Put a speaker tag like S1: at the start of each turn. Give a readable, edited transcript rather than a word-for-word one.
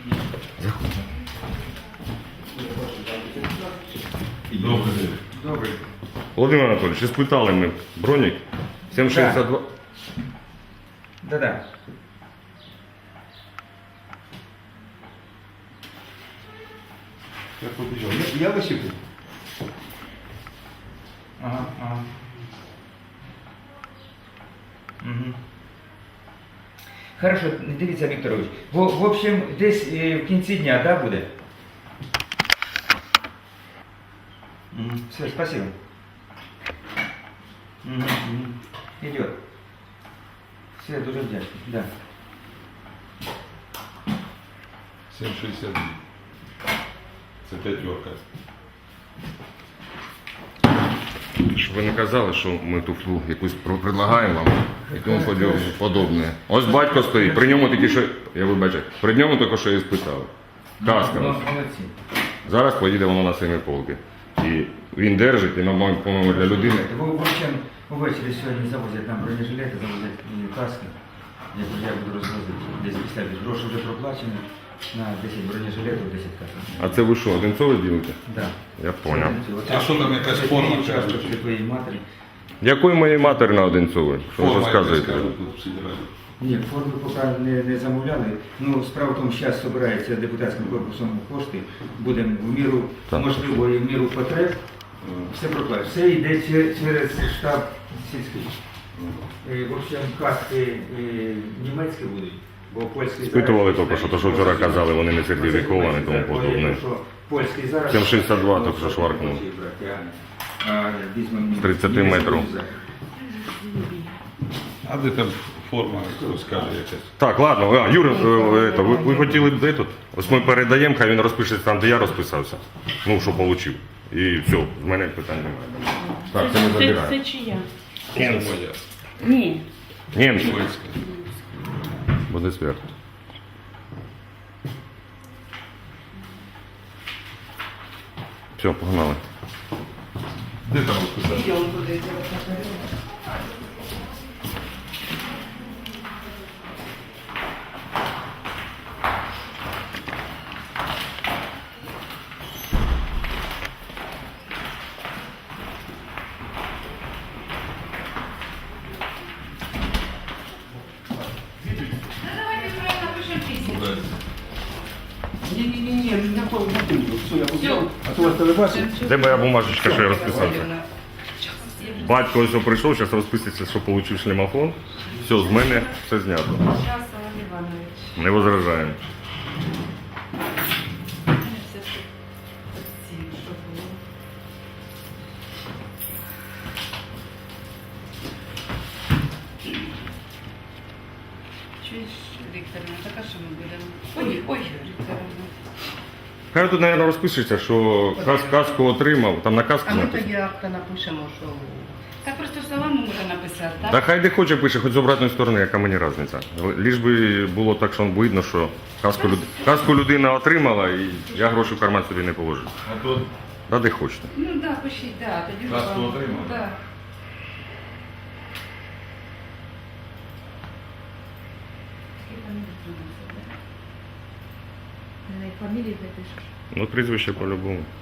S1: Добрий день.
S2: Добрий.
S1: Володимир Анатолійович, спитали ми бронік 762.
S2: Да-да.
S1: Як побіжав?
S2: Я висипу. Ага, ага. Угу. Хорошо, дивіться, Вікторович. В общем, десь в кінці дня, да, буде? Угу. Все, спасибо. Угу, угу. Идет. Все, дуже вдячний. Да.
S1: 7,62. Це п'ятерка. Щоб ви не казали, що ми туфлу якусь предлагаємо вам і тому подобне. Ось батько стоїть, при ньому тільки що, я вибачаю, при ньому тільки що і спитав. Каска.
S2: Молодці.
S1: Зараз поїде воно на семиполки. І він держить, і, по-моєму, для людини.
S2: В общем, увечері сьогодні завозять нам бронежилети, завозять і каски. Я буду розвозити десь після гроші вже проплачені на 10 бронежилетів, 10 касок.
S1: А це ви що, Одинцове ділите?
S2: Да.
S1: Я поняв.
S3: А що там якась форма?
S2: Участок для твоєї матері.
S1: Якої моєї матері на Одинцове? Що ви розказуєте?
S2: Ні, форми поки не замовляли. Ну, справа в тому, що зараз збирається депутатським корпусом кошти. Будемо в міру
S1: Так.
S2: можливої, в міру потреб. Все проплачено. Все йде через штаб сільський. В общем, каски німецькі будуть, бо польські...
S1: Спитували тільки що, то що вчора казали, вони не сертифіковані, тому подобне.
S2: Польський зараз...
S1: 7,62 тільки що шваркнув. З 30 метрів.
S3: А де там форма, хто скаже якась?
S1: Так, ладно, Юра, ви хотіли б де тут? Ось ми передаємо, хай він розпишеться там, де я розписався. Ну, що отримав. І все, з мене питань немає. Так, це ми
S4: Це
S1: забираємо.
S4: чия?
S3: Це моя.
S4: Ні.
S1: Німці.
S3: Польська.
S1: Буде сверх. Все, погнали.
S3: Де там розписати?
S5: Не-не-не, никакого не буду. Все, я взял, а то вас бачив.
S1: Де моя бумажечка, що я розписався? Батько ось прийшов, зараз розписується, що отримав шлемофон. Все, з мене все знято. Не возражаємо.
S4: Чуєш, Вікторовна, така що ми будемо? Ой, Вікторовна.
S1: Хай тут, мабуть, розпишеться, що каску отримав, там на каску
S6: А ми
S1: написано.
S6: тоді акта напишемо, що...
S4: Так просто словами можна написати, так?
S1: Та хай де хоче пише, хоч з обратної сторони, яка мені різниця. Ліж би було так, що видно, що каску людина отримала, і я гроші в карман собі не положив.
S3: А то
S1: Да де хочете.
S4: Ну так, да, пишіть, да, тоді
S3: Каску
S4: вам-
S3: отримали?
S4: Да. Скільки там їх приносить, да?
S6: Фамілії запишеш.
S1: Ну, прізвище по-любому.